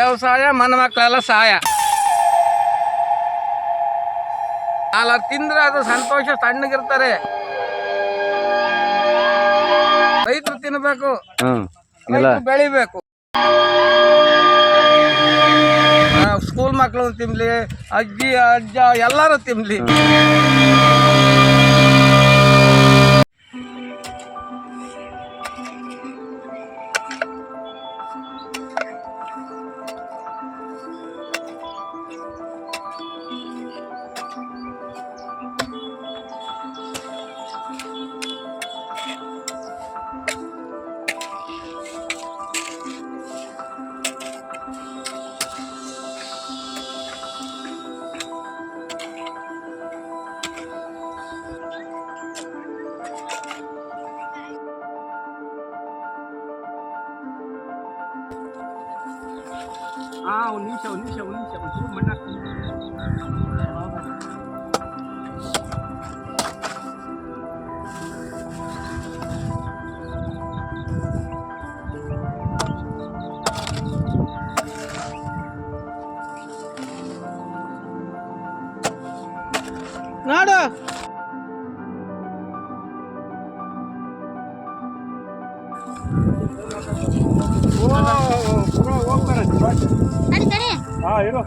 ವ್ಯವಸಾಯ ಮನ ಮಕ್ಕಳೆಲ್ಲ ಸಹಾಯ. ಅಲ್ಲ ತಿಂದ್ರೆ ಅದು ಸಂತೋಷ, ಸಣ್ಣಗಿರ್ತಾರೆ. ರೈತರು ತಿನ್ಬೇಕು, ರೈತರು ಬೆಳಿಬೇಕು. ಸ್ಕೂಲ್ ಮಕ್ಕಳು ತಿನ್ಲಿ, ಅಜ್ಜಿ ಅಜ್ಜ ಎಲ್ಲರೂ ತಿನ್ಲಿ. ಒಂದು ನಿಮಿಷ ಒಂಚೂರು ಮಣ್ಣು ಹಾಕ್ತೀನಿ. ನೋಡು ಇರೋ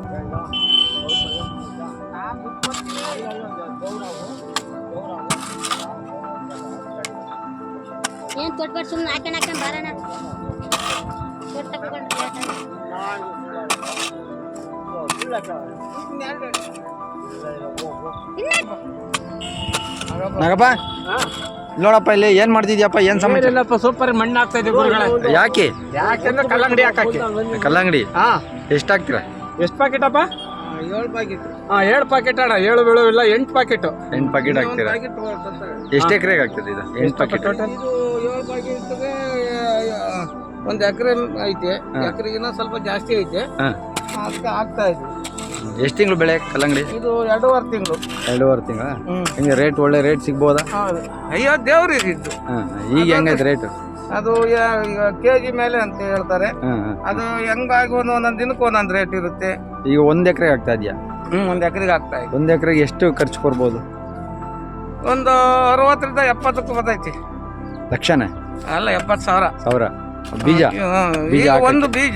ಏನ್ ತೊಟ್ಬಿಟ್ಟು ಸುಮ್ಮನೆ ಹಾಕೊಂಡ್ ಬರೋಣ. ನಾಗಪ್ಪ ನೋಡಪ್ಪ, ಇಲ್ಲಿ ಏನ್ ಮಾಡ್ತಿದ್ಯಪ್ಪ? ಏನ್ ಸಮಾಚಾರ? ಸೂಪರ್ ಮಣ್ಣು ಹಾಕ್ತಾ ಇದ್ದೀವಿ ಗುರುಗಳೇ. ಯಾಕೆಂದ್ರೆ ಕಲ್ಲಂಗಡಿ ಹಾಕಕ್ಕೆ. ಕಲ್ಲಂಗಡಿ ಎಷ್ಟು ಹಾಕ್ತೀರಾ? ಎಷ್ಟು ಪ್ಯಾಕೆಟ್ ಅಪ್ಪ? 7 ಪ್ಯಾಕೆಟ್. 7 ಪ್ಯಾಕೆಟ್ ಅಣ್ಣ. 7 ಬೀಳುವಿಲ್ಲ, 8 ಪ್ಯಾಕೆಟ್. 8 ಪ್ಯಾಕೆಟ್ ಹಾಕ್ತೀರಾ? ಎಷ್ಟು ಎಕರೆಗೆ ಆಗ್ತದೆ ಇದು 8 ಪ್ಯಾಕೆಟ್? ಇದು 7 ಪ್ಯಾಕೆಟ್ಗೆ 1 ಎಕರೆ ಐತೆ. ಎಕರೆಗಿನ ಸ್ವಲ್ಪ ಜಾಸ್ತಿ ಐತೆ, ಅದಕ್ಕೆ ಆಗ್ತಾ ಇದೆ. ಎಷ್ಟು ತಿಂಗಳು ಬೆಳೆ ಕಲ್ಲಂಗಡಿ? ಇದು 2.5 ತಿಂಗಳು. 2.5 ತಿಂಗಳ. ಹಿಂಗೆ ರೇಟ್ ಒಳ್ಳೆ ರೇಟ್ ಸಿಗ್ಬೋದಾ? ಅಯ್ಯೋ ದೇವ್ರಿಗೆ ಇದ್ದು. ಈಗ ಹೆಂಗೈತೆ ರೇಟ್? ಅದು ಈಗ ಕೆಜಿ ಮೇಲೆ ಅಂತ ಹೇಳ್ತಾರೆ. ಅದು ಹೆಂಗಾಗಿ ಒಂದೊಂದು ದಿನಕ್ಕೆ ಒಂದೊಂದು ರೇಟ್ ಇರುತ್ತೆ. ಈಗ 1 ಎಕರೆಗೆ ಆಗ್ತಾ ಇದೆಯಾ? 1 ಎಕರೆಗೆ ಆಗ್ತಾ ಇದೆ. 1 ಎಕರೆಗೆ ಎಷ್ಟು ಖರ್ಚು ಕೊಡ್ಬೋದು? ಒಂದು 60ರಿಂದ 70 ಬರ್ತೈತಿ. ಲಕ್ಷನೇ? ಅಲ್ಲ, 70,000. ಬೀಜ? ಈಗ ಒಂದು ಬೀಜ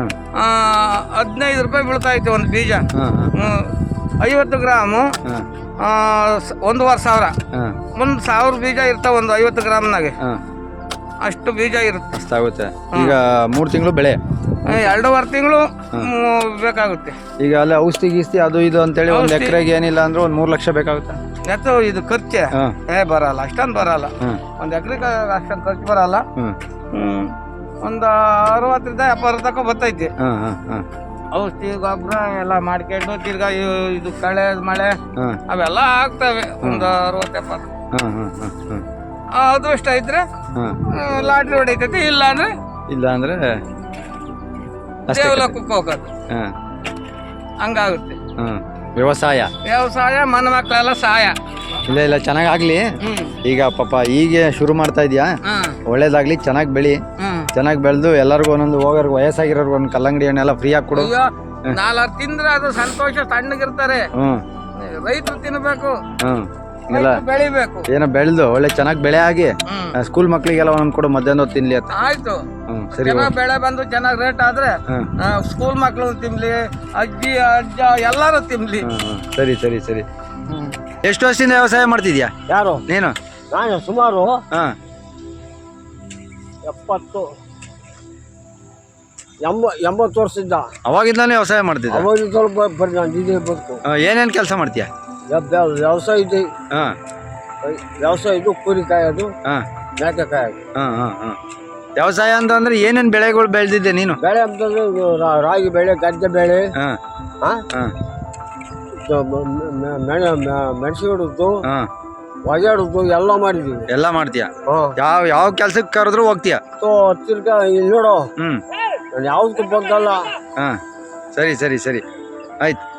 15 ರೂಪಾಯಿ ಬೀಳ್ತಾ ಐತೆ. ಒಂದು ಬೀಜ 50 ಗ್ರಾಮು 1,500,000. 1,000 ಬೀಜ ಇರ್ತಾವ ಒಂದು 50 ಗ್ರಾಮ್ನಾಗೆ. ಅಷ್ಟು ಬೀಜ ಇರುತ್ತೆ. ಅಷ್ಟಾಗುತ್ತೆ. ಈಗ 3 ತಿಂಗಳು ಬೆಳೆ, 2.5 ತಿಂಗಳು ಬೇಕಾಗುತ್ತೆ. ಈಗ ಅಲ್ಲ ಔಷಧಿ ಗೀಸ್ತಿ ಅದು ಇದು ಅಂತೇಳಿ 1 ಎಕರೆಗೆ ಏನಿಲ್ಲ ಅಂದ್ರೆ 3 ಲಕ್ಷ ಬೇಕಾಗುತ್ತೆ. ಯಾಕೆ ಇದು ಖರ್ಚೆ ಬರಲ್ಲ, ಅಷ್ಟೊಂದು ಬರಲ್ಲ. 1 ಎಕರೆಗೆ ಅಷ್ಟೊಂದು ಖರ್ಚು ಬರಲ್ಲ. ಒಂದು 60ರಿಂದ 70 ತನಕ ಬರ್ತೈತಿ. ಔಷಧಿ ಗೊಬ್ಬರ ಎಲ್ಲ ಮಾಡ್ಕೊಂಡು ತಿರ್ಗಾ ಇದು ಕಳೆ ಮಳೆ ಅವೆಲ್ಲ ಆಗ್ತವೆ. ಒಂದು 60-70. ಅದೃಷ್ಟ ಇದ್ರೆ ಲಾಟ್ರಿ ಹೊಡಿತೈತಿ, ಇಲ್ಲ ಅಂದ್ರೆ ದೇವಲೋಕಕ್ಕೆ ಹೋಗೋದು. ಹಂಗಾಗುತ್ತೆ ವ್ಯವಸಾಯ ಮನ ಮಕ್ಕಳೆಲ್ಲ ಸಹಾಯ. ಇಲ್ಲ ಚೆನ್ನಾಗಾಗ್ಲಿ. ಈಗ ಪಾಪ ಈಗ ಶುರು ಮಾಡ್ತಾ ಇದೀಯಾ, ಒಳ್ಳೇದಾಗ್ಲಿ, ಚೆನ್ನಾಗಿ ಬೆಳಿ. ಚೆನ್ನಾಗಿ ಬೆಳೆದು ಎಲ್ಲರಿಗೂ ಒಂದೊಂದು ಹೋಗೋರ್ಗು ವಯಸ್ಸಾಗಿರೋರ್ಗು ಒಂದು ಕಲ್ಲಂಗಡಿ ಹಣ್ಣೆಲ್ಲ ಫ್ರೀ ಆಗಿ ಕೊಡು. 4 ತಿಂದ್ರೆ ಅದು ಸಂತೋಷ, ಸಣ್ಣಗಿರ್ತಾರೆ. ರೈತರು ತಿನ್ಬೇಕು, ಬೆಳಿಬೇಕು. ಏನೋ ಬೆಳೆದು ಒಳ್ಳೆ ಚೆನ್ನಾಗಿ ಬೆಳೆ ಆಗಿ ಸ್ಕೂಲ್ ಮಕ್ಳಿಗೆಲ್ಲ ಒಂದೊಂದು ಕೊಡು, ಮಧ್ಯಾಹ್ನ ಹೊತ್ತು ತಿನ್ಲಿ ಅಂತ. ಆಯ್ತು, ಸರಿ. ಬೆಳೆ ಬಂದು ಚೆನ್ನಾಗಿ ರೇಟ್ ಆದ್ರೆ ಸ್ಕೂಲ್ ಮಕ್ಳು ತಿನ್ಲಿ, ಅಜ್ಜಿ ಅಜ್ಜ ಎಲ್ಲರೂ ತಿನ್ಲಿ. ಸರಿ ಸರಿ ಸರಿ. ಎಷ್ಟು ವರ್ಷದಿಂದ ವ್ಯವಸಾಯ ಮಾಡ್ತಿದ್ಯಾ? ಯಾರು? ನೀನು? ನಾನು ಸುಮಾರು 80 ವರ್ಷದಿಂದ. ಅವಾಗಿಂದಾನೇ ವ್ಯವಸಾಯ ಮಾಡ್ತಿದ್ದ? ಅವಾಗ ಸ್ವಲ್ಪ ಏನೇನು ಕೆಲಸ ಮಾಡ್ತೀಯಾ? ವ್ಯವಸಾಯ ಇದೆ. ವ್ಯವಸಾಯ ಇದು ಕುರಿ ಕಾಯೋದು, ಮೇಕೆ ಕಾಯೋದು. ವ್ಯವಸಾಯ ಅಂತಂದ್ರೆ ಏನೇನು ಬೆಳೆಗಳು ಬೆಳೆದಿದ್ದೆ ನೀನು? ಬೆಳೆ ಅಂತಂದ್ರೆ ರಾಗಿ ಬೆಳೆ, ಗದ್ದೆ ಬೆಳೆ, ಮೆಣಸು ಹಿಡಿದು ಒಜಾಡುದು ಎಲ್ಲ ಮಾಡಿದೀವಿ. ಎಲ್ಲ ಮಾಡ್ತೀಯ? ಯಾವ ಕೆಲ್ಸಕ್ಕೆ ಕರೆದ್ರು ಹೋಗ್ತೀಯ? ತಿರ್ಗಾ ಇಲ್ಲಿ ನೋಡು, ನಾನು ಯಾವ್ದಕ್ಕೂ ಬಂದಲ್ಲ. ಸರಿ ಸರಿ ಸರಿ, ಆಯ್ತು.